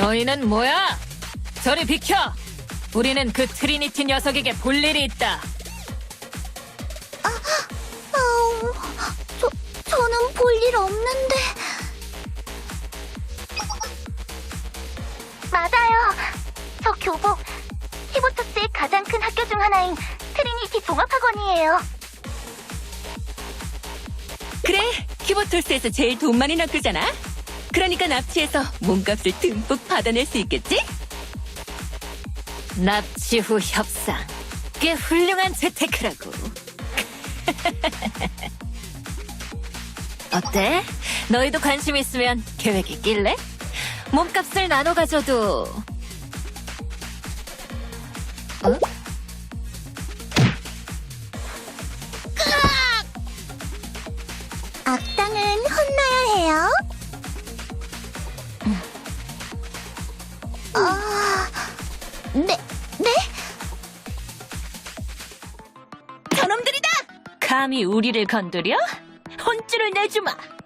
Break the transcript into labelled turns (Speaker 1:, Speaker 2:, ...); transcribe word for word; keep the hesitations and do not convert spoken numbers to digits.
Speaker 1: 너희는 뭐야? 저리 비켜! 우리는 그 트리니티 녀석에게 볼 일이 있다.
Speaker 2: 아우, 저, 저는 볼 일 없는데. 맞아요. 저 교복, 히보토스의 가장 큰 학교 중 하나인 트리니티 종합학원이에요.
Speaker 3: 그래, 키보톨스에서 제일 돈 많이 낚으잖아. 그러니까 납치해서 몸값을 듬뿍 받아낼 수 있겠지?
Speaker 1: 납치 후 협상. 꽤 훌륭한 재테크라고. 어때? 너희도 관심 있으면 계획 있길래? 몸값을 나눠 가져도. 어?
Speaker 2: 악당은 혼나야 해요. 아, 네, 네?
Speaker 3: 저놈들이다! 감히 우리를 건드려? 혼쭐을 내주마!